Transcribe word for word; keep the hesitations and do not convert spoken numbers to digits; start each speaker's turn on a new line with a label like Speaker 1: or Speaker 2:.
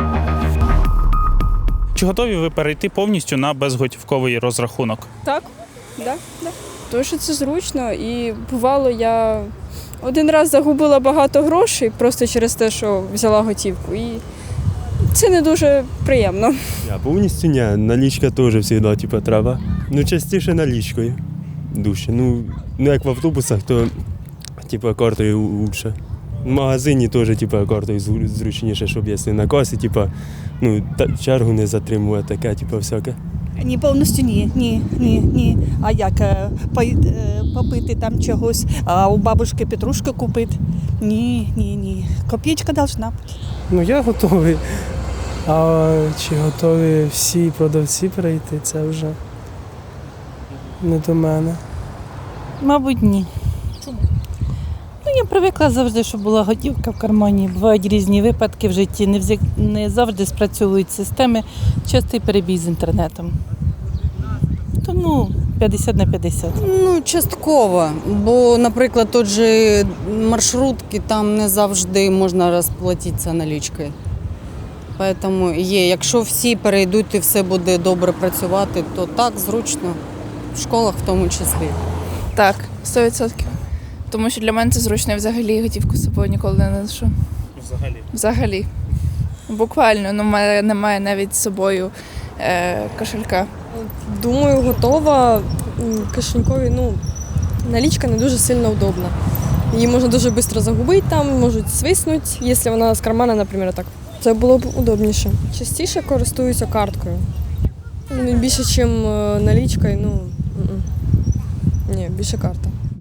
Speaker 1: Чи готові ви перейти повністю на безготівковий розрахунок?
Speaker 2: Так, да, да. Тому що це зручно і бувало, я один раз загубила багато грошей просто через те, що взяла готівку. І це не дуже приємно.
Speaker 3: Я повністю ні, налічка теж завжди типу, треба. Ну, частіше налічкою. Дужче. Ну, ну як в автобусах, то типу, картою краще. В магазині теж типу, картою зручніше, щоб якщо на касі, типу, ну, та, чергу не затримувати, таке, типу, всяке.
Speaker 4: Ні, повністю ні, ні, ні, ні. А як е, пой- е, попити там чогось, а у бабушки петрушки купити? Ні, ні, ні. Копійка должна бути.
Speaker 5: Ну я готовий. А чи готові всі продавці перейти, це вже не до мене.
Speaker 6: Мабуть, ні. Чому? Ну, я привикла завжди, щоб була готівка в кармані. Бувають різні випадки в житті, не, взя... не завжди спрацьовують системи, частий перебій з інтернетом. Тому п'ятдесят на п'ятдесят.
Speaker 7: Ну, частково, бо, наприклад, тут же маршрутки, там не завжди можна розплатитися налічкою. Тому є, якщо всі перейдуть і все буде добре працювати, то так, зручно, в школах в тому числі.
Speaker 8: Так, сто відсотків. Тому що для мене це зручно, я взагалі готівку з собою ніколи не ношу.
Speaker 1: Взагалі.
Speaker 8: Взагалі. Буквально, ну, в мене немає навіть з собою е, кошелька.
Speaker 2: Думаю, готова. Кишенькові, ну, налічка не дуже сильно удобна. Її можна дуже швидко загубити, там можуть свиснути, якщо вона з кармана, наприклад, так. Це було б удобніше. Частіше користуюся карткою. Ну, більше, ніж налічкою, ну, ні, більше карта.